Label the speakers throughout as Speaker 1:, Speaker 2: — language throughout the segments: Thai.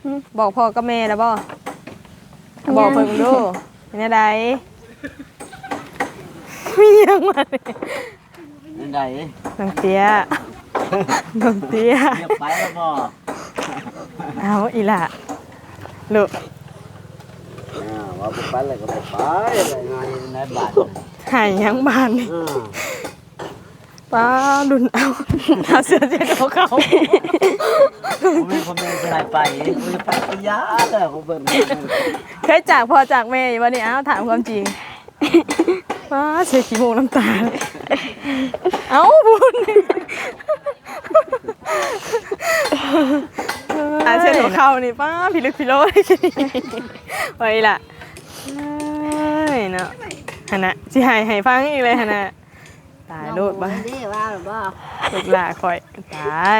Speaker 1: บอกพ่อกับแม่แล้วบ่บอกเพิ่นดูเป็นจังได๋มีหยังมาเนี่ย
Speaker 2: นั่นใด
Speaker 1: น้องเตี้ยน้องเตี้ย
Speaker 2: เรียกไปแล้วบ่
Speaker 1: เอาอีหล่ะลูก
Speaker 2: ว่าบ่ไปแล้วก็บ่ไปอะไรงานในบ้าน
Speaker 1: หายยังบ้านนี่
Speaker 2: อือ
Speaker 1: ป้าดุนเอาเสื้อเจ็ดของเขา
Speaker 2: ผมมีคนนึงสิให้ไปกูจะไปก็ยาเด้อกูเบิ่ง
Speaker 1: เคยจากพ่อจากแม่อยู่วันนี้ถามความจริงป้าเสียขี้มูกน้ำตาเลยเอ้าบุญเส้นหัวเข่านี่ป้าพิลึกพิโลได้กินไว้ล่ะเนาะฮะนะสิให้ฟังอีกเลยฮะนะตายโลดบ้า
Speaker 3: นี่ว่าหรือบ่
Speaker 1: ลูกหลาคอยตาย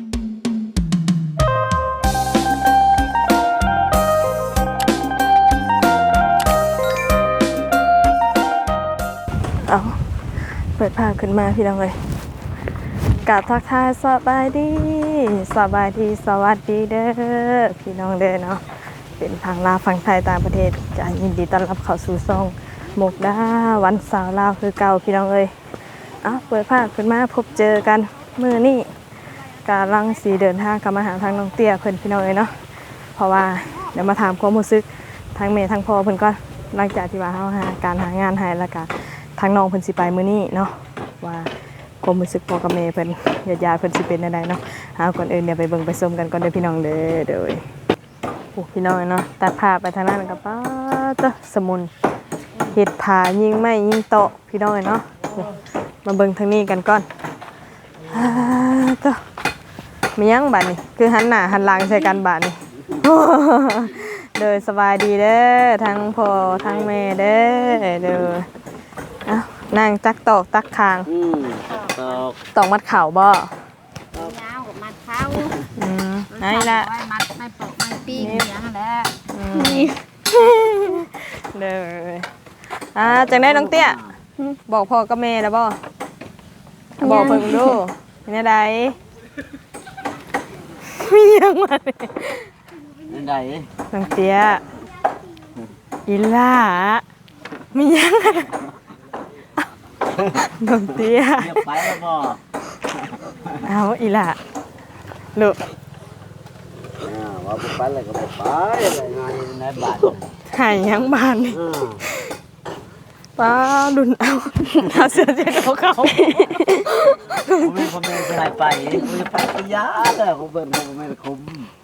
Speaker 1: เอาเปิดผ้าขึ้นมาพี่น้องเลยกราบทักทายสบายดีสวัสดีเด้อพี่น้องเด้อเนาะเป็นทางลาวฝั่งไทยต่างประเทศจะยินดีต้อนรับเข้าสู่ช่องมุกดาวันสาวลาวคือเก่าพี่น้องเลยเปิดผ้าขึ้นมาพบเจอกันมื้อนี้กำลังสีเดินทางกลับมาหาทางน้องเตี้ยเพิ่นพี่น้องเลยเนาะเพราะว่าเดี๋ยวมาถามความรู้สึกทางแม่ทางพ่อเพิ่นก่อนหลังจากที่ว่าเฮาหาการหางานให้แล้วก็ทางน้องเพิ่นสิไปมื้อนี้เนาะว่าความรู้สึกพ่อกับแม่เพิ่นญาติๆเพิ่นสิเป็นจังไดเนาะก่อนอื่นเดี๋ยวไปเบิ่งไปชมกันก่อนเด้อพี่น้องเด้อโดยโอ้พี่น้องเนาะตัดภาพไปทางนั้นก็ป้าตะสมุนเฮ็ดผายิงไม้ยิงโต๊ะพี่น้องเนาะมาเบิ่งทางนี้กันก่อนตะมีหยังบัดนี้คือหันหน้าหันหลังใส่กันบัดนี้เด้อสบายดีเด้อทั้งพ่อทั้งแม่เด้อเด้อนั่งตักตอกตักคาง ตอกมัดเข่าบ่
Speaker 3: ยาวกับมัดเท้า
Speaker 1: ให้ละ
Speaker 3: มัดไม่ปอกไม่ปีกอย่างนั้นแหละ
Speaker 1: เลยจังได้น้องเตี้ยบอกพ่อกับแม่แล้วบ่บอกเพิ่นดูเป็นจังได๋มีหยังมาเนี่ย
Speaker 2: นั่นใด
Speaker 1: น้องเตี้ยอีหล่ามีหยังน้องเตี้ย
Speaker 2: เรียกไปแล้วบ่
Speaker 1: เอาอีหล่าลูก
Speaker 2: ว่าบ่ไปแล้วก็บ่ไปอะไรงานในบ้าน
Speaker 1: หายยังบ้านนี่
Speaker 2: อือ
Speaker 1: ป้าดุนเอาเสื้อเจ็ดของเขา
Speaker 2: ผมมีคนนึงสิให้ไปกูจะไปก็ยาเด้อกูเบิ่งกูไม่ได้คุม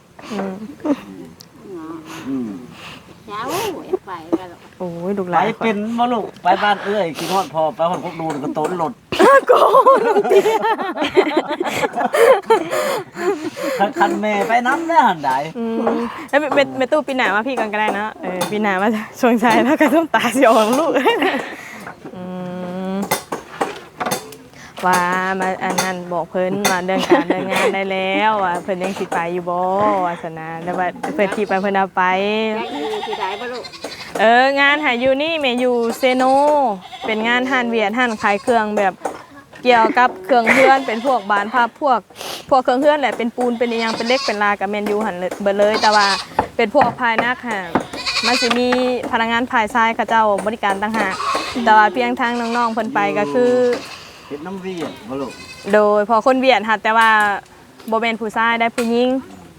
Speaker 3: เช้าไปกันหรอก
Speaker 1: โอ้ยลูกห
Speaker 2: ไป
Speaker 1: ลาน
Speaker 2: เป็นบ่ลูกไปบ้านเอ้ยกินฮอดพอไปฮอดพวกดูนก็ต้นหลด
Speaker 1: โกน้องเตี้ย
Speaker 2: คันแม่ไปน้ำได้หันใด
Speaker 1: แล้วเมตู้ปีหนามาพี่กันก็ได้นะปีหนามาชวงใจแล้วก็ต้องตาเสียวของลูกว่ามาอันนั้นบอกเพิ่นมาเดินการเดินงานได้แล้วว่าเพิ่นยังสิไปอยู่บ่วาสนาแล้วว่าเพิ่นที่ไปเพิ่นเอาไป
Speaker 3: ได้อีสิได้บ่ลูก
Speaker 1: งานหาอยู่นี่แม่อยู่เซโนเป็นงานหั่นเวียดหั่นขายเครื่องแบบเกี่ยวกับเครื่องเฮือนเป็นพวกบานภาพพวกเครื่องเฮือนแหละเป็นปูนเป็นอีหยังเป็นเล็กเป็นลากับแมนยูหั่นเบิดเลยแต่ว่าเป็นพวกภายนักค่ะมันสิมีพนักงานภายซ้ายเขาเจ้าบริการต่างหากแต่ว่าเพียงทางน้องๆเพิ่นไปก็คือ
Speaker 2: เฮ็ดน้ำเวียดบ่ลูก
Speaker 1: โดยพอคนเวียดค่ะแต่ว่าบ่แม่นผู้ชายได้ผู้หญิง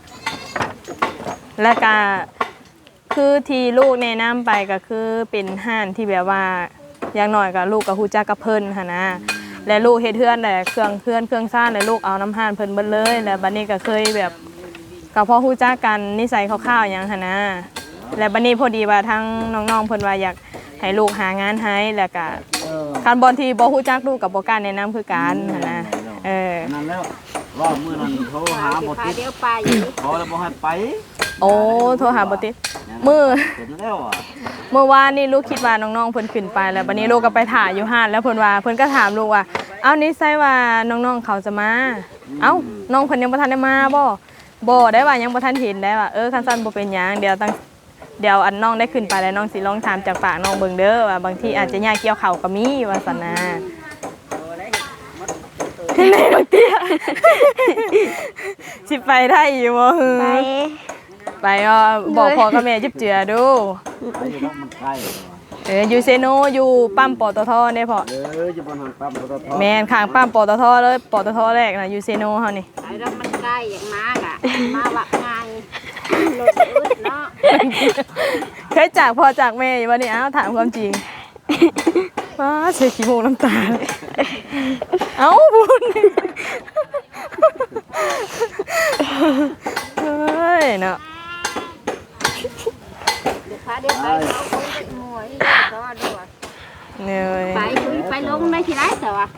Speaker 1: และก็คือที่ลูกแนะนำไปก็คือเป็นห้านที่แบบว่าอย่างน้อยก็ลูกก็ฮู้จักกับเพิ่นหั่นนะและลูกเฮ็ดเฮือนแต่เครื่องซ่านและลูกเอาน้ำห้านเพิ่นเบิดเลยแล้วบัดนี้ก็เคยแบบก็พอฮู้จักกันนิสัยคร่าวๆหยังหั่นนะและบัดนี้พอดีว่าทั้งน้องๆเพิ่นว่าอยากให้ลูกหางานให้แล้วก็คันบอลที่บ่ฮู้จักลูกก็บ่กล้าแนะนำคือกันหั่นนะ
Speaker 2: นั่นแล้วว่ามื้อนั้นโทรหาบ่ติด
Speaker 3: เดี๋ยวไปอยู่
Speaker 2: ขอแล้วบ่ให้ไป
Speaker 1: โอ้โทรหาบ่ติดมื้อ
Speaker 2: เห็นแล้วอ่ะ
Speaker 1: เมื่อวานนี่ลูกคิดว่าน้องๆเพิ่นขึ้นไปแล้วบัดนี้ลูกก็ไปถ่ายอยู่ห้านแล้วเพิ่นว่าเพิ่นก็ถามลูกว่าเอ้านี่ใช่ว่าน้องๆเขาจะมาเอ้าน้องเพิ่นยังบ่ทันได้มาบ่ได้ว่ายังบ่ทันเห็นได้ว่าคันซั่นบ่เป็นหยังเดี๋ยวอันน้องได้ขึ้นไปแล้วน้องสิลองถามจากปากน้องเบิ่งเด้อว่าบางทีอาจจะยากเกี่ยวข้าวก็มีว่าซั่นนะไหนน้องเตี้ยสิไปได้อยู่บ่
Speaker 4: ไป
Speaker 1: ไปก็บอกพ่อกับแม่จิบเจือดู
Speaker 2: ไปอยู่ต้องมันใกล้เลย
Speaker 1: อยู่เซโนอยู่ปั๊มปตทเนี่ยพ่อ
Speaker 2: อยู่บนหางปั๊มปตท
Speaker 1: แม่นข้างปั๊มปตทเลยปตทแรกน่ะอยู่เซโนเฮานี่
Speaker 3: ไอ้เรามันใกล้อย่างมากอ่ะมาวักงานรถอึดเนาะ
Speaker 1: เคยจากพ่อจากแม่อยู่บ่นี่อ้าวถามความจริงว้าเสียขี้มูกน้ำตาเลยเอ้าบุญเฮ้ยเนาะ
Speaker 3: เดี๋ยวพาเดี๋ยวไปเอาคนเป็นมวยก็ด้วย
Speaker 1: เหนื่อย
Speaker 3: ไปลงได้ที่ไรแต่ว่า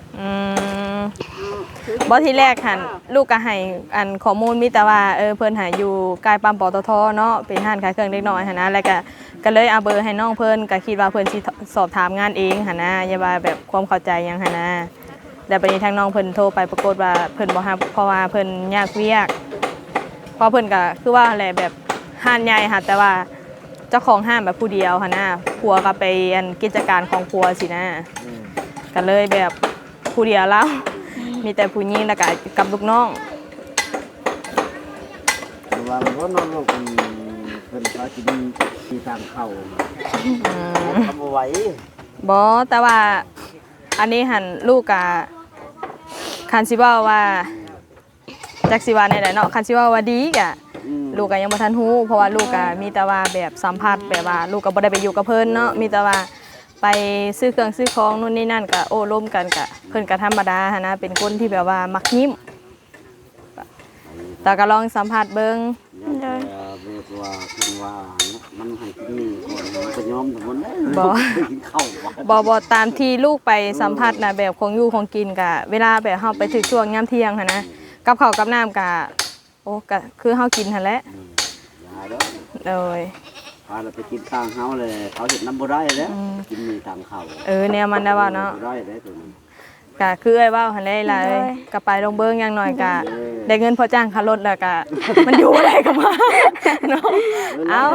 Speaker 1: บ่ที่แรกหันลูกก็ให้อันข้อมูลมีแต่ว่าเพิ่นหาอยู่ใกล้ปั๊มปตทเนาะเป็นห้านขายเครื่องเล็กน้อยหั่นนะแล้วก็เลยเอาเบอร์ให้น้องเพิ่นก็คิดว่าเพิ่นสิสอบถามงานเองหั่นนะอย่าว่าแบบความเข้าใจหยังหั่นนะแต่บัดนี้ทางน้องเพิ่นโทรไปปรากฏว่าเพิ่นบ่รับเพราะว่าเพิ่นยากเวียกเพราะเพิ่นก็คือว่าแหละแบบห้านใหญ่ค่ะแต่ว่าเจ้าของห้างแบบผู้เดียวหั่นนะผัวก็ไปอันกิจการของผัวสินะก็เลยแบบผู้เดียวแล้วมีแต่ผู้หญิงแล้วก็กับลูกน้อง
Speaker 2: ว่าเรานอนลงเป็นปลากินที่ทางเข้าทำเอาไว้
Speaker 1: บอแต่ว่าอันนี้หันลูกกะคันซิว่าว่าจักซิว่าในไหนเนาะคันซิว่าว่าดีกะลูกกะยังบ่ทันฮู้เพราะว่าลูกกะมีแต่ว่าแบบสัมผัสแบบว่าลูกก็บ่ได้ไปอยู่กับเพิ่นเนาะมีแต่ว่าไปซื้อเครื่องซื้อของนู่นนี่นั่นกะโอ้ร่วมกันกะเพิ่นก็ธรรมดาหันนะเป็นคนที่แบบว่ามักยิ้มแต่ก็ลองสัมผัสเบิ่ง
Speaker 2: เรียกว่าคือว่ามันให้กินนี่ก่อนมันจะยอมถึงวันนั้น
Speaker 1: บ่
Speaker 2: กินข้าว
Speaker 1: บ่ตามที่ลูกไปสัมผัสนะแบบของอยู่ของกินกะเวลาแบบเฮาไปถึงช่วงยามเที่ยงหั่นนะกับข้าวกับน้ำกะโอ้กะคือเฮากินหั่นแหละ
Speaker 2: อย่าเด้อ
Speaker 1: โดย
Speaker 2: พาเราไปกินข้างเฮาเลยเขาเห็นน้ำบ่ได้แล้วกินมีทางเข้า
Speaker 1: แนวมันได้ว่าเนาะ
Speaker 2: บ่ได้แล้วตัวนี้
Speaker 1: กะคือไอ้ว่าหั่นแหละล่ะเอ้ยกะไปลงเบิ่งอย่างน้อยกะได้เงินพอจ้างค่ารถแล้วกะ มันอยู่อะไรก็มาเนาะเอา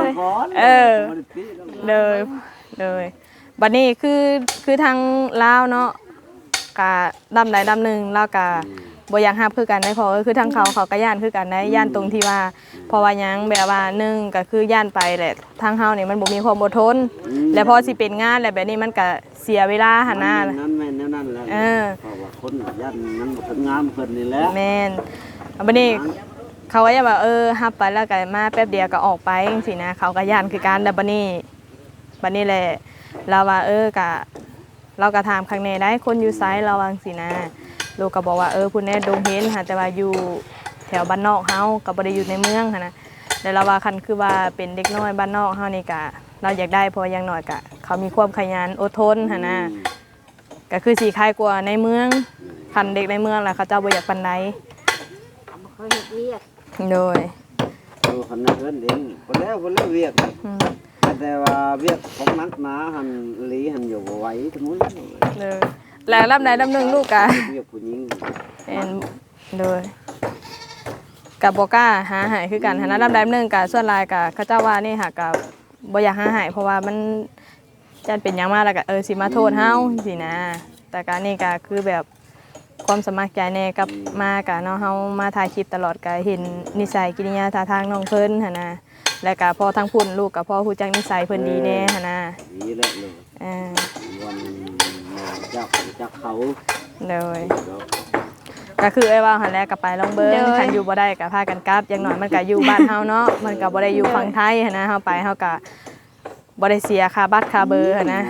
Speaker 1: เลยบัดนี้คือทางลาวเนาะกะดำใดดำหนึ่งลาวกะบ่อยากรับคือกันได้พอคือทางเขาก็ย่านคือกันได้ย่านตรงที่ว่าเพราะว่าหยังแบบว่าหนึ่งก็คือย่านไปแหละทางเฮานี่มันบ่มีความอดทนแล้วพอสิเป็นงานแล้วแบบนี้มันก็เสียเวลาหั่นน่ะ
Speaker 2: นั่นแม่นแนวนั้นแหละเพราะว่าคนยันนั้นบ่ถึงงามเพิ่นนี่แหละ
Speaker 1: แม่นบัดนี้เขาก็จะแบบรับไปแล้วก็มาแป๊บเดียวก็ออกไปจังซี่นะเขาก็ย่านคือกันแต่บัดนี้แหละเราว่าก็เราก็ถามข้างในได้คนอยู่ไสเราว่าจังซี่นะลูกก็บอกว่าพุ่นแน่ดงเห็นค่ะแต่ว่าอยู่แถวบ้านนอกเฮาก็บ่ได้อยู่ในเมืองค่ะนะแล้วเราว่าคันคือว่าเป็นเด็กน้อยบ้านนอกเฮานี่ก็เราอยากได้เพราะอย่างน้อยก็เขามีความขยันอดทนค่ะนะก็คือสิคล้ายกว่าในเมืองคันเด็กในเมืองล่ะเขาเจ้าบ่อยากปานใด
Speaker 3: บ่เคยเฮ็ดเวียก
Speaker 1: โดย
Speaker 2: คันนั้นเองคนแล้วเวียกแต่ว่าเวียกของนักหนาหันหลีหันอยู่บ่ไหวทั้งนู้น
Speaker 1: เลยแล้วลำใดลำหนึ่งลูกกะ
Speaker 2: เวียกผู้หญิง
Speaker 1: เป็นเลยกับบอกล้าหาหายคือกันหานะลำใดลำหนึ่งกะส่วนลายกะข้าเจ้าว่านี่ค่ะกับบ่อยากหาหายเพราะว่ามันจันเป็นหยังมากแล้วกะสิมาโทษเฮาสินะแต่การนี่กะคือแบบความสมัครใจแน่กับมากะเนาะเฮามาถ่ายคลิปตลอดกะเห็นนิสัยกิริยาท่าทางน้องเพิ่นหั่นนะและกะพอทั้งพุ่นลูกกับพ่อฮู้จักนิสัยเพิ่นดีแน่หั่นนะ
Speaker 2: นี่แหละเลยวันจักเขา
Speaker 1: เลยก็คือไอ้ว่าหันแรกกับไปลองเบิ้งคันอยู่บ่ได้กับพากันกลับอย่างน้อยมันก็อยู่บ้านเฮาเนาะมันก็บ่ได้อยู่ฝั่งไทยหันนะเฮาไปเฮาก็บ่ได้เสียค่าบัตรค่าเบอร์หันนะ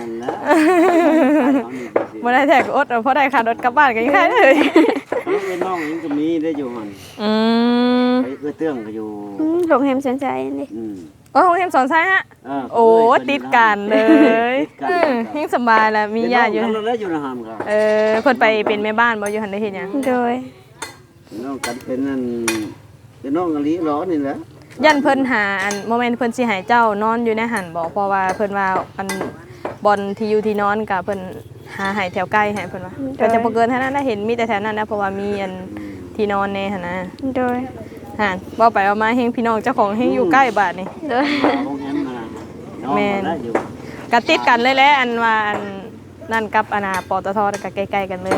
Speaker 1: บ่ได้แทกอดเพราะได้ค่ารถกลับบ้านก็ยังได้เลย
Speaker 2: น้องยังก็มีได้อยู่หั่นไปเตื้องก็อยู่
Speaker 4: โรงแรมสนใจนี่
Speaker 1: โอ้โรงเรียนสอนไซฮะโอ้ติดกันเลยยิ่งสบายแล้วมีญาติอยู่
Speaker 2: เราได้อยู่ในห้างครับ
Speaker 1: เพิ่นไปเป็นแม่บ้านบ่อยู่หั่นได้เฮ็ดหยัง
Speaker 4: โดย
Speaker 2: น้องกันเป็นนั่นเป็นน้องอลีร้อนนี่แหละ
Speaker 1: ยันเพิ่นหาอันโมเมนต์เพิ่นสิให้เจ้านอนอยู่ในหันบ่เพราะว่าเพิ่นว่าอันบอลที่อยู่ที่นอนก็เพิ่นหาให้แถวใกล้ให้เพิ่นว่าก็จะบ่เกินเท่านั้นได้เห็นมีแต่แถวนั้นนะเพราะว่ามีอันที่นอนแน่หั่นนะ
Speaker 4: โดย
Speaker 1: หั่นบ่ไปเอามาเฮงพี่น้องเจ้าของเฮงอยู่ใกล้บาดนี่
Speaker 4: โดย
Speaker 2: โรงแรมมาน้องได้อยู่
Speaker 1: ก็ติดกันเลยแหละอันว่าอันนั่นกับอนาปตทก็ใกล้ๆกันเลย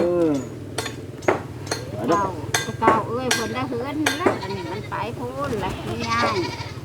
Speaker 3: เก่าเอ้ยเพิ่นได้เฮือนนี่แหละอันนี้มันไปพูนแหละไม่ง่าย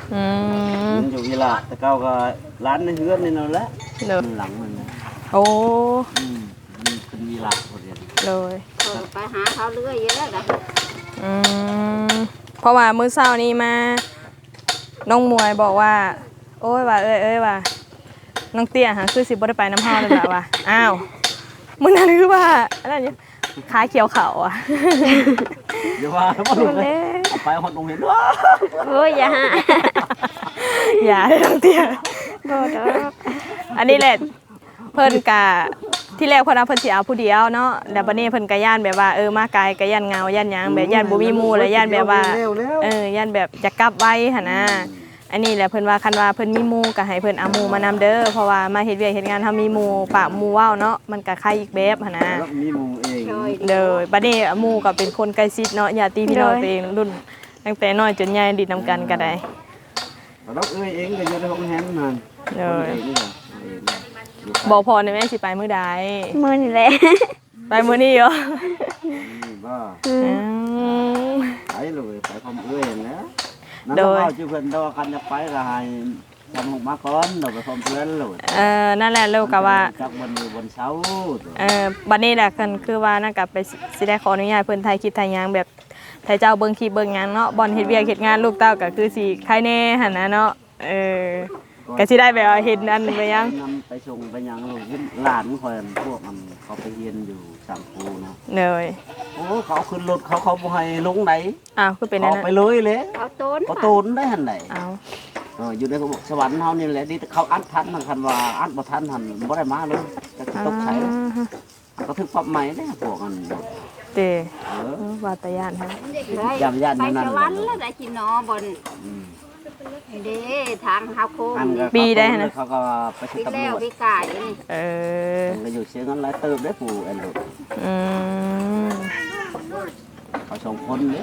Speaker 1: อืม
Speaker 2: มันอยู่ยีหลาแต่เก่าก็ร้านในเฮือนนี่นั่นแหละ
Speaker 1: เด้อ
Speaker 2: หลังมันนะ
Speaker 1: โอ้
Speaker 2: มันเป็นยีหลาพอดี
Speaker 1: เลย
Speaker 3: ไปหาเขาเรื่อยเยอะนะ
Speaker 1: อืมเพราะว่ามื้อเช้านี้มาน้องมวยบอกว่า โอ้ยว่าเอ้ยว่าน้องเตี้ยหาคือสิบ่ได้ไปน้ำเฮาเลยล่ะว่าอ้าวมื้อนั้นคือว่าอะไรเนี่ยขาเขียวเขาอ่ะ
Speaker 2: เดี๋ยวว่าบ่ลงเลยเอาไปฮอดโรงเรียนว้า
Speaker 4: โอ้ยอย่าหา
Speaker 1: อย่าได้น้องเตี้ย
Speaker 4: บ่ดอก
Speaker 1: อันนี้แหละเพิ่นกะที่แรกเพิ่นเอาเพิ่นสิเอาผู้เดียวเนาะแล้วบัดนี้เพิ่นก็ย่านแบบว่ามาไกลก็ย่านเหงาย่านหยังแบบย่านบ่มีหมู่แล้วย่านแบบว่าย่านแบบจะกลับไว้หั่นนะอันนี้แหละเพิ่นว่าคันว่าเพิ่นมีหมู่ก็ให้เพิ่นเอาหมู่มานำเด้อเพราะว่ามาเฮ็ดเวียกเฮ็ดงานเฮามีหมู่ปากหมู่เว้าเนาะมันก็คล้ายอีกแบบหั่นนะ
Speaker 2: แล้วมีหมู่เอง
Speaker 1: เด้อบัดนี้หมู่ก็เป็นคนใกล้ชิดเนาะญาติพี่น้องตัวเองรุ่นตั้งแต่น้อยจนใหญ่ดิดนํกันก็ได้
Speaker 2: แล้วเอ้ยเองก็อยู่ในห้องแฮมนั่น
Speaker 1: เด้อ
Speaker 2: เองนี่ล่ะ
Speaker 1: บอกพอได้แม่สิไปมื้อใด
Speaker 4: มื้อนี่แหละ
Speaker 1: ไปมื้อนี้เหรอ
Speaker 2: นี่บ้า
Speaker 1: อืม
Speaker 2: ไปเลยไปพร้อมเอ้ยนะนั่น
Speaker 1: โดย
Speaker 2: เอาชื่อเพิ่นดอกกันจะไปก็ให้ทำหกมาก่อนเราไปพร้อมเพื่อนเลย
Speaker 1: นั่นแหละลูกก็ว่า
Speaker 2: จักวันอยู่บนเสา
Speaker 1: บัดนี้แหละกันคือว่านั่นก็ไปสิได้ขออนุญาตเพิ่นถ่ายคลิปถ่ายหยังแบบถ่ายเจ้าเบิ่งคลิปเบิ่งหยังเนาะบ่อนเฮ็ดเวียกเฮ็ดงานลูกเต้าก็คือสิใครแน่หั่นนะเนาะก็สิได้แบบว่าเห็นอันไปยัง
Speaker 2: นำไปส่งไปยังลูกหลานคอยพวกมันเขาไปเรียนอยู่สังคูเนาะ
Speaker 1: เลย
Speaker 2: โอ้เขาขึ้นรถเขาบ่ให้ลงไหน
Speaker 1: อ้าวคือเป็นนั่
Speaker 2: เขา
Speaker 1: น
Speaker 2: ไป
Speaker 1: น่ะ
Speaker 2: เลยเลย
Speaker 3: เอาต้น
Speaker 2: เขาตูนได้หันไหน
Speaker 1: อ้าว
Speaker 2: อยู่ในสวรรค์เฮานี่แหละนี่เขาอัดทันมันคันว่าอัดบ่ทันหันบ่ได้มาเลยจะตกไสก็ถึกปรับใหม่เด้พวกอัน
Speaker 1: เตว่าตะยานฮะ
Speaker 2: ย่ำยัน
Speaker 3: ไป
Speaker 2: นั่น
Speaker 3: สวรรค์แล้วได้กินนอบนเด้ทางเฮาโค้ง
Speaker 2: อันก็เขาก็ไป
Speaker 3: พี่
Speaker 2: ตำร
Speaker 3: แล้ว
Speaker 2: วจ
Speaker 3: พี่กายนี่
Speaker 2: ก็อยู่เสียงกันหลายเติบได้ผู้อันลูก
Speaker 1: อืม
Speaker 2: เขาสองคนเนี่ย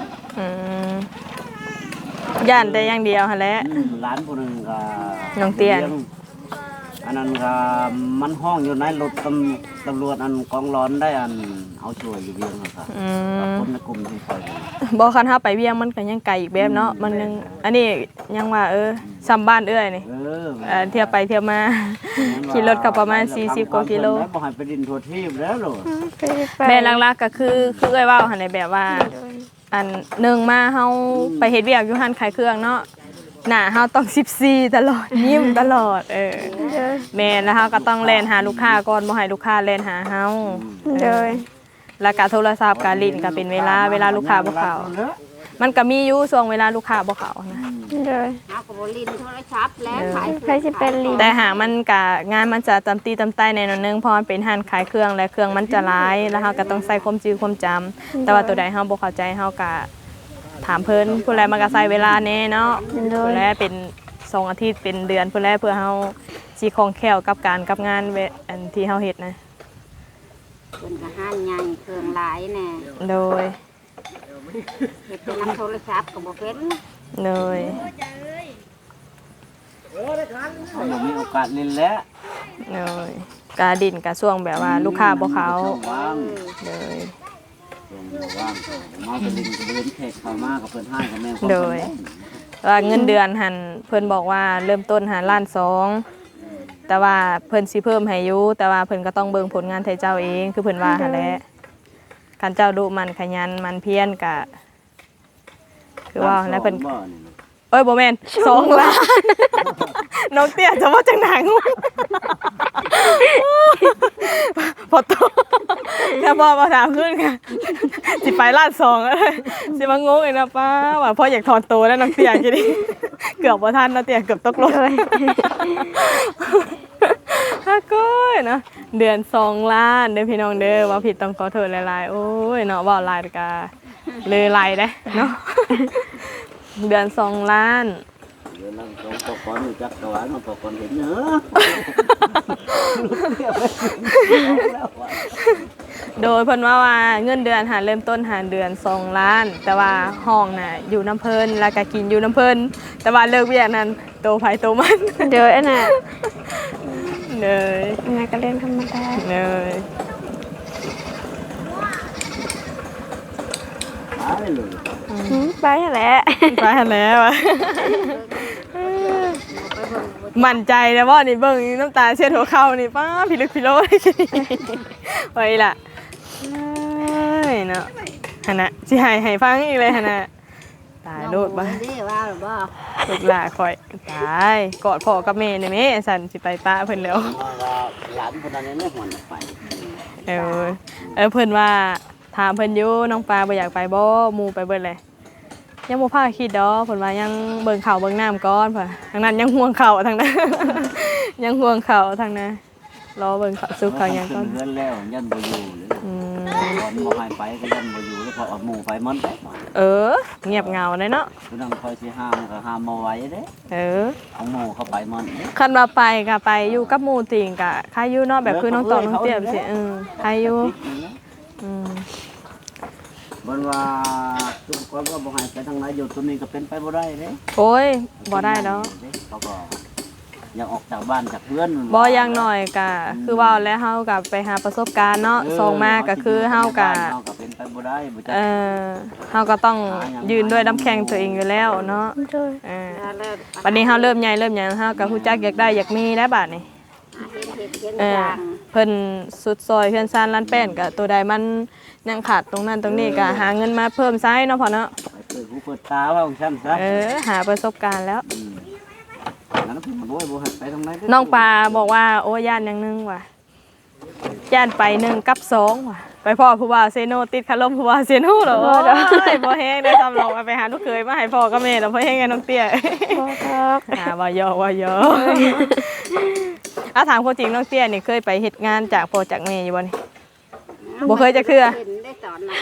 Speaker 1: ย่านแต่อย่างเดียวหั่นแหละ
Speaker 2: ร้านผู้หนึงก็
Speaker 1: น้องเตี้ย
Speaker 2: อันนั้นก็มันห้องอยู่ในรถตำรวจอันกองร้อนได้อันเอาช่วยอยู่เวียงครับคนในกลุ่มที่คอย
Speaker 1: บ่คันเฮาไปเวียงมันก็ยังไกลอีกแบบเนาะมันยังอันนี้ยังว่าซ้ำบ้านเอ้ยนี่เที่ยวไปเที่ยวมาขี่รถก็ประมาณ40กว่ากิโล
Speaker 2: บ่ให้ไปดินทั่วทีบแล้วโลด
Speaker 1: แม่หลักๆก็คือเอ้ยเว้าหั่นในแบบว่าอันหนึ่งมาเฮาไปเฮ็ดเวียกอยู่ร้านขายเครื่องเนาะหน้าเฮาต้อง14ตลอดยิ้มตลอดแม่แล้วเฮาก็ต้องแล่นหาลูกค้าก่อนบ่ให้ลูกค้าแล่นหาเฮาแล้วก็โทรศัพท์ก็ลิ้นก็เป็นเวลาลูกค้าบ่เข้ามันก็มีอยู่ช่วงเวลาลูกค้าบ่เข้านะ
Speaker 3: เฮาก็บ่ลิ้นโทรศัพท์แล้วขาย
Speaker 4: ใครสิเป็นลีด
Speaker 1: แต่หากมันก็งานมันจะตำตีตำใต้ในหน่อยนึงเพราะมันเป็นร้านขายเครื่องและเครื่องมันจะหลายแล้วเฮาก็ต้องใส่ความจื้อความจำแต่ว่าตัวใดเฮาบ่เข้าใจเฮาก็ถามเพิ่นผู้ใดมันก็ใส่เวลาแน่เนาะผู้ใดเป็น2อาทิตย์เป็นเดือนผู้ใดเพื่อเฮาสิคล่องแคล่วกับการกับงานอันที่เฮาเฮ็ดนะ
Speaker 3: เพิ่นก็ห้านใหญ่เครื่องหลายแน่
Speaker 1: โดย
Speaker 3: เฮ็ดเป็นนำโทรศัพท์ก็บ่เป็น
Speaker 1: โดย
Speaker 2: เขาบ่มีโอกาสเล่นแล้ว
Speaker 1: โดยกาดินกะช่วงแบบว่าลูกค้าบ่เขา
Speaker 2: ว่าง
Speaker 1: โดย
Speaker 2: ว่างมาไปดินกับเดินเทศเข้ามากับเพิ่นให้กับแม่
Speaker 1: โดย ว่าเงินเดือนหันเพิ่นบอกว่าเริ่มต้นหาล้านสองแต่ว่าเพิ่นสิเพิ่มให้อยู่แต่ว่าเพิ่นก็ต้องเบิ่งผลงานไทเจ้าเองคือเพิ่นว่าหั่นแหละคันเจ้าดุมันขยันมันเพียรก็คือว่าแล้วเพิ่นเอ้ยบ่แม่น2 ล้านน้องเตี้ยจะว่าจังหนังพอโตแค่พ่อมาถามขึ้นค่ะสิไปล้านสองเลยสิมางงอีกนะป้าว่าพ่ออยากถอนตัวแล้วน้องเตี้ยกินดิเกือบบ่ทันนะเตี้ยเกือบตกรถฮะก้อยเนาะเดือน2 ล้านเด้อพี่น้องเด้อว่าผิดต้องขอโทษหลายๆโอ้ยเนาะเว้าหลายกะเลยไหลเด้เนาะเดือน2 ล้าน
Speaker 2: เดี๋ยวนั่งตรงตะกอนอยู่จักรวาลมันตะกอนเห็นเนอะ
Speaker 1: โดยเพิ่นว่าเงินเดือนเริ่มต้นเดือน2 ล้าน แต่ว่าห้องน่ะอยู่น้ำเพิ่นแล้วก็กินอยู่น้ำเพิ่นแต่ว่าเลิกเวียกนั้นโตไผโตมัน
Speaker 4: เดี๋ยวอันน่ะ
Speaker 1: เลย
Speaker 4: อันน่ะก็เรื่องธรรมดา
Speaker 1: เลย
Speaker 2: หายเลย
Speaker 4: ไปแหละ
Speaker 1: ไปแล้วอะมั่นใจแล้วว่านี่เบิ่งน้ำตาเช็ดหัวเข่านี่ป้าพิลึกพิโลไว้ล่ะเนาะฮะนะสิให้ฟังอีกเลยฮะนะตายโลดบ้า
Speaker 3: ได้ว่าหรือบ่
Speaker 1: ลูกหลาคอยตายกอดพ่อกับแม่นี่แม่สันสิไปป้าเพิ่นแล้ว
Speaker 2: หลานคนนั้นไม่หวนไป
Speaker 1: เพิ่นว่าถามเพิ่นอยู่น้องปลาบ่อยากไปบ่หมู่ไปเบิดเลยยังบ่พาคิดดอกเพิ่นว่ายังเบิ่งข้าวเบิ่งน้ำก่อนเพิ่นทางนั้นยังห่วงข้าวทางนั้น ยังห่วงข้าวทางนั้นรอเบิ่งข้าวสุกข้าวหยังก่อน
Speaker 2: เพื่อนแล้วยันบ่อยู่เลยก่อนบ่ให้ไปก็ยันบ่อยู่แล้วพอเอาหมู่ไปมันไป
Speaker 1: เงียบเหงาเลยเนาะ
Speaker 2: คือนั่งคอยสิห้ามก็ห้ามมาไว้เด้เอาหมู่เข้าไปมัน
Speaker 1: คันว่าไปก็ไปอยู่กับหมู่ติงก็ใครอยู่เนาะแบบคือน้องตองน้องเตี้ยสิใครอยู่
Speaker 2: มันว่าทุกคนก็บ่ให้ไปทางไหนอยู่ตัวนี้ก็เป็นไปบ่ได้เด้
Speaker 1: โอ้ยบ่ได้ดอก
Speaker 2: เขาก็อยากออกจากบ้านจากเพื่อน
Speaker 1: บ่อย่างน้อยก็คือว่าแล้วเฮาก็ไปหาประสบการณ์เนาะส่งมาก็คือเฮาก็
Speaker 2: เป็นไปบ่ได้บ่จัก
Speaker 1: เฮาก็ต้องยืนด้วยน้ำแข็งตัวเองอยู่แล้วเนาะบัดนี้เฮาเริ่มใหญ่เริ่มหยังเฮาก็ฮู้จักอยากได้อยากมีแล้วบัดนี้เพิ่นสุดซอยเพื่อนซ่านร้านแป้นก็ตัวใดมันยังขาดตรงนั้นตรงนี้ก็หาเงินมาเพิ่มไซส์เนาะพ่อเนาะ
Speaker 2: เปิดหูเปิดตาว่าของฉันซะ
Speaker 1: หาประสบการณ์แล้ว
Speaker 2: นั้นเพิ่นบ่ให้ไปทางไหน
Speaker 1: น้องปลาบอกว่าโอ้ย่านอย่างนึงว่ะย่านไป1กับ2ว่ะไปพ่อผู้ว่าเซโนติดคารมผู้ว่าเซโนเหรอบ่แฮงได้ซ้ำลงไปหาลูกเคยมาให้พ่อกับแม่แล้วบ่แฮงไงน้องเตี้ย
Speaker 4: บ่ครับ
Speaker 1: ว่ายอถามคนจริงน้องเตี้ยนี่เคยไปเฮ็ดงานจากพ่อจากแม่อยู่บ่นี่บ่เคยจักเทื่อ
Speaker 3: เห็นได้ตอนนั้น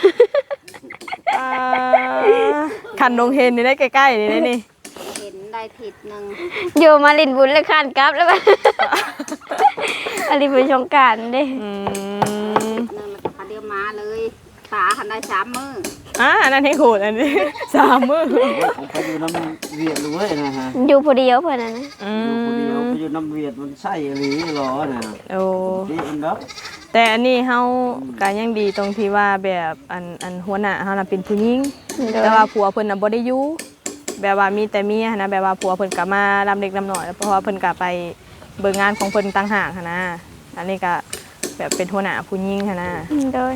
Speaker 1: คันดงเฮนนี่ได้ใกล้ๆนี่ได้นี่
Speaker 3: เห็นได้ผิดนึง
Speaker 4: อยู่มาลินบุญเลยคานกลับแล้ว อันนี้เป็นสงกรานต์เด้
Speaker 3: นึงมันก็เดียวมาเลยตาคันได้3 มื้อ
Speaker 1: อันนั้นให้ขูดอันนี้3 มื้อ
Speaker 2: ผมไปอยู่น้ำเวียดเลยนะฮะ
Speaker 4: อยู่ผู้เดียวเพิ่นน่ะนะ
Speaker 2: อยู่คนเดียวไปอยู่น้ำเวียดมันใช่หรือหรอน่ะ
Speaker 1: โอ้
Speaker 2: ดีอันดับ
Speaker 1: แต่อันนี้เฮาก็ยังดีตรงที่ว่าแบบอันหัวหน้าเฮาน่ะเป็นผู้หญิงแต่ว่าผัวเพิ่นน่ะบ่ได้อยู่แบบว่ามีแต่เมียนะแบบว่าผัวเพิ่นก็มาลำเล็กลำน้อยเพราะว่าเพิ่นก็ไปเบิ่งงานของเพิ่นต่างหากหั้นนะอันนี้ก็แบบเป็นหัวหน้าผู้หญิงหั้นนะ
Speaker 4: โดย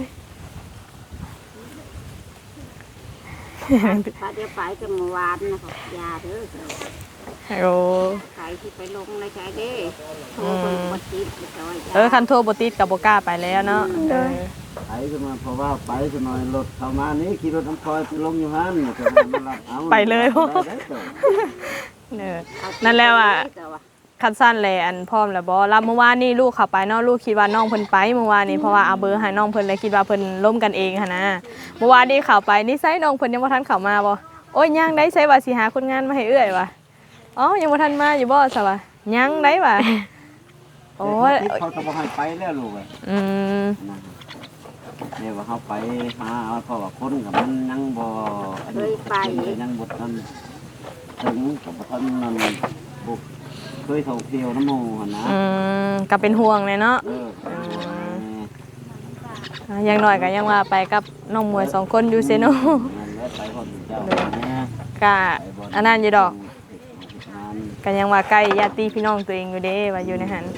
Speaker 3: ปาเดียวไปกันเมื่อวานนะครับยาเด้อ
Speaker 1: โอ้
Speaker 3: ใครที่ไปลงในใจเด้โทรคนบ่ติดก็ว่า
Speaker 1: คันโทรบ่ติดก็บ่กล้าไปแล้วเนาะ
Speaker 2: ไปขึ้นมาเพราะว่าไปขึ้นมารถเข้ามานี่ขี่รถน้ำคอยไปลงอยู่หั่นจะมารับเอา
Speaker 1: ไปเลยนั่นแล้วอ่ะคันสั้นแลอันพร้อมแล้วบ่รับเมื่อวานนี่ลูกเข้าไปเนาะลูกคิดว่าน้องเพิ่นไปเมื่อวานนี้เพราะว่าเอาเบอร์ให้น้องเพิ่นเลยคิดว่าเพิ่นล้มกันเองหั่นนะเมื่อวานนี้เข้าไปนี่ไสน้องเพิ่นยังบ่ทันเข้ามาบ่โอ้ยยังได้ไสว่าสิหาคนงานมาให้เอื้อยว่ะอ๋อยังบ่ทันมาอยู่บ่ซะว่ะยังได้ว่ะโอ้ย
Speaker 2: เขาจะบ่ให้ไปแล้วลูกอ่ะ เนี่ยว่าเขาไปหาเอาเพราะว่าคนกับมันยังบ่ยังบ่ทันถึงกับบ่ทันนั่นบุกเคยท่องเที่ยวน้ำหมู่หั่นนะ
Speaker 1: ก็เป็นห่วงเลยเนาะอย่างน้อยก็ยังว่าไปกับน้องมวย2 คนอยู่เซโน
Speaker 2: ไปคนเจ้านะ
Speaker 1: ก็อันนั้นอยู่ดอกก็ยังว่าใกล้ญาติพี่น้องตัวเองอยู่เด้ว่าอยู่ในหัน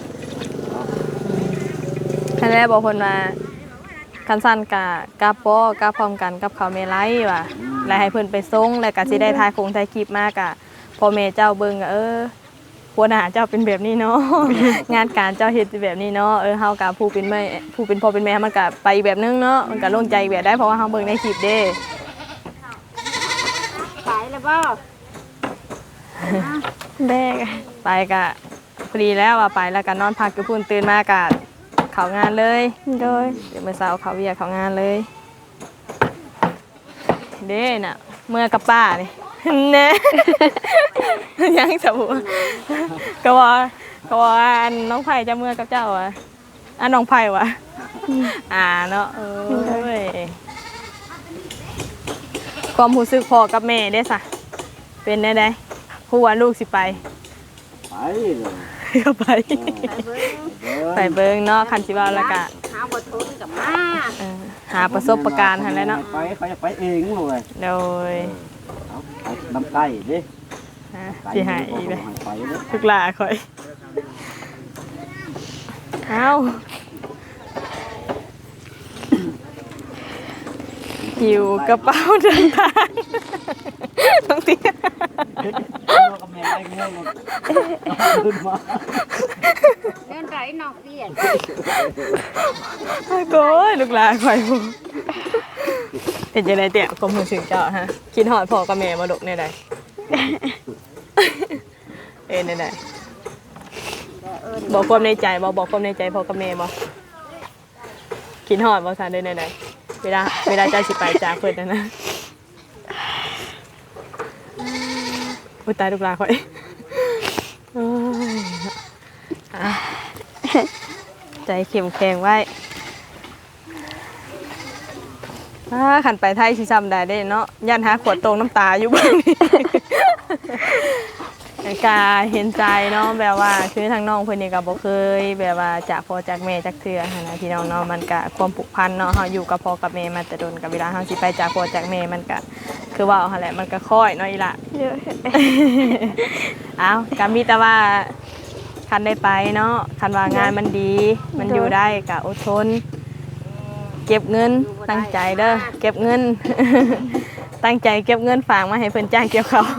Speaker 1: ท่านแรกบอกคนว่าคันสั้นกับพ่อกับพร้อมกันกับเขาเมลัยว่ะแล้วให้เพิ่นไปส่งแล้วก็สิได้ถ่ายถ่ายคลิปมากะพ่อแม่เจ้าเบิ่งก็หัวหน้าเจ้าเป็นแบบนี้เนาะ งานการเจ้าเฮ็ดแบบนี้เนาะเฮากับผู้เป็นแม่ผู้เป็นพ่อเป็นแม่มันก็ไปอีกแบบนึงเนาะมันก็โล่งใจแบบได้เพราะว่าเฮาเบิ่งในคลิปเด้
Speaker 3: ไปแล้วบ่
Speaker 4: แบก
Speaker 1: ไปก็ฟรีแล้วว่าไปแล้วก็นอนพักอยู่พุ่นตื่นมาก็เข้างานเลย
Speaker 4: โดย
Speaker 1: เดี๋ยวมื้อเช้าเข้าเวียกเข้างานเลยเด้น่ะเมื่อกับป้านี่ แน่ ยังสบู่ก็ว่าอันน้องไผ่จะเมื่อกับเจ้าอ่ะอันน้องไผ่วะเนาะเอ้ยความรู้สึกพ่อกับแม่ได้สะเป็นได้ผู้ว่าลูกสิไป
Speaker 2: ไปเลย
Speaker 1: ก็ไป ไปเบิ่งเนาะคันสิว่าแล้วก็
Speaker 3: หาบ่ทนกับมา
Speaker 1: หาประสบการณ์หั่นแหละเนาะ
Speaker 2: ไปเขาจะไปเองเลย
Speaker 1: โดย
Speaker 2: เอาน้ำใต้ดิ
Speaker 1: สิหายอีกเลย
Speaker 2: ไปเลย
Speaker 1: ลูกหลาข่อยเอาหิวกระเป๋าเดินทางต้องเตี้ย
Speaker 2: กับแม่ได้เงี้ยมันขึ้นมา
Speaker 3: เดินไรนอกเตียน
Speaker 1: โก้ยลูกหลาข่อยผมเป็นยังไงเตี้ยกลมหูถึงเจ้าฮะกินหอดพ่อกับแม่มาดกในใดในใดบอกความในใจบอกความในใจพ่อกับแม่บอกกินหอดบอกสารได้ในใดเวลาใจสิไปจากเพิ่นนะอุ้ยตายลูกหลาข่อยใจเข้มแข็งไว้ขันไปไทยสิจำได้เนาะยันหาขวดตรงน้ำตาอยู่บ้างกาเห็นใจเนาะแบบว่าคือทางน้องเพื่อนนี่ก็บ่เคยแบบว่าจากพ่อจากแม่จากเทื่อนะพี่น้องเนาะมันก็ความผูกพันเนาะเฮาอยู่กับพ่อกับแม่มาแต่โดนกับเวลาเฮาสิไปจากพ่อจากแม่มันก็คือว่าเอาหั่นแหละมันก็ค่อยเนาะอีหล่ะ เอาก็มีแต่ว่าคันได้ไปเนาะคันว่างานมันดีมันอยู่ได้ก็อดทนเก็บเงินตั้งใจเด้อเก็บเงิน ตั้งใจเก็บเงินฝากมาให้เพิ่นจ้างเกี่ยวเขาว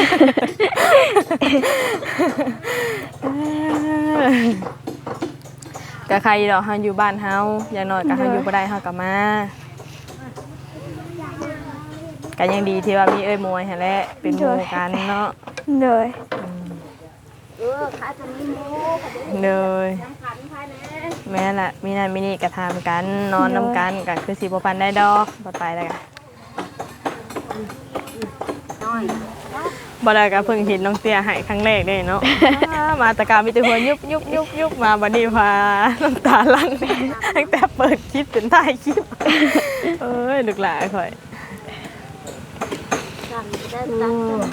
Speaker 1: ก็ใครดอกเฮาอยู่บ้านเฮาอย่างน้อยก็เฮาอยู่บ่ได้เฮาก็มาก็ยังดีที่ว่ามีเอ้ยมวยหั่นแหละเป็นหมู่กันเนาะ
Speaker 4: เลย
Speaker 3: ข้าจะมีหมูค่ะ
Speaker 1: เลย
Speaker 3: สำคัญภายใน
Speaker 1: แม่ละมีนั่นมีนี่ก็ทำกันนอนนำกันก็คือสิบ่ปันได้ดอกบ่ไปแล้วก็
Speaker 3: น้อย
Speaker 1: บ่ได้ก็เพิ่งเห็นน้องเตี้ยให้ครั้งแรกเด้เนาะ มาแตะกามีแต่หัวยุบมาบัดนี้พาน้ำตาลั่น ตั้งแต่เปิดคลิปจนท้ายคลิป เอ้ยลูกหลานข่อย
Speaker 3: สั่งได้สั่ง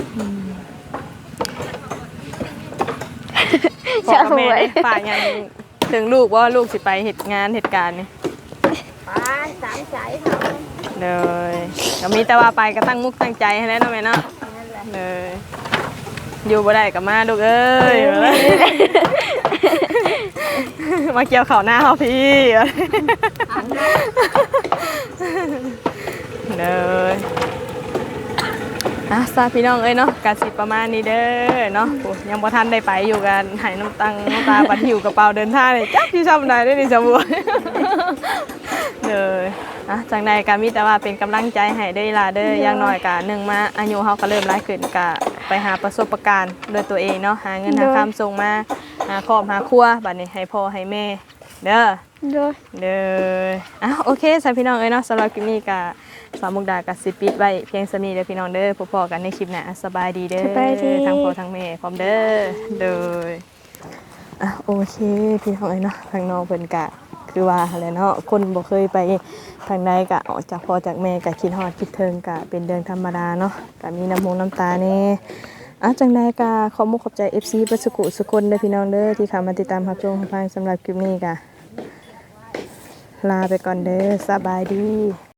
Speaker 1: พ่อกับแม่นี่ฝากหยังถึงลูกว่าลูกสิไปเฮ็ดงานเหตุการณ์นี่
Speaker 3: ไปสามสายเขา
Speaker 1: เลยก็มีแต่ว่าไปก็ตั้งมุกตั้งใจให้แล้วเนาะแม่เนาะ
Speaker 3: นั่นแหละ
Speaker 1: เลยอยู่บ่ได้ก็มาลูกเอ้ย มาเกี่ยวข้าวหน้าเฮาพี่ เลยซาพี่น้องเอ้ยเนาะกะสิประมาณนี้เด้อเนาะโอ้ยังบ่ทันได้ไปอยู่กันหายน้ำตาบัดหิวกระเป๋าเดินทางนี่จักสิทำได้เด้อนี่สมบูรณ์ เลยจังใดก็มีแต่ว่าเป็นกำลังใจให้เด้อล่ะเด้ออย่างน้อยก็หนึ่งมาอายุเฮาก็เริ่มหลายขึ้นก็ไปหาประสบการณ์ด้วยตัวเองเนาะหาเงินหาคำส่งมาหาครอบหาครัวบัดนี้ให้พ่อให้แม่เด้อ
Speaker 4: เลย
Speaker 1: เลยโอเคสำหรับพี่น้องเอ้ยเนาะสำหรับคลิปนี้ก็สาวมุกดากับสิปิดไว้เพียงสำนี้เด้อพี่น้องเด้อพบกันในคลิปหน้าสบายดีเด้อทั้งพ่อทั้งแม่พร้อมเด้อเลยโอเคพี่น้องเอ้ยเนาะทางน้องเพิ่นกะคือว่าอะไรเนาะคนบ่เคยไปทางใดกะออกจากพ่อจากแม่กะคิดฮอดคิดถึงกะเป็นเรื่องธรรมดาเนาะกะมีน้ำมูกน้ำตาแน่จังใดกะขอบมุกขอบใจ FC เบิดสุขุสุคนเด้อพี่น้องเด้อที่เข้ามาติดตามรับชมรับฟังสำหรับคลิปนี้กะลาไปก่อนเด้อสบายดี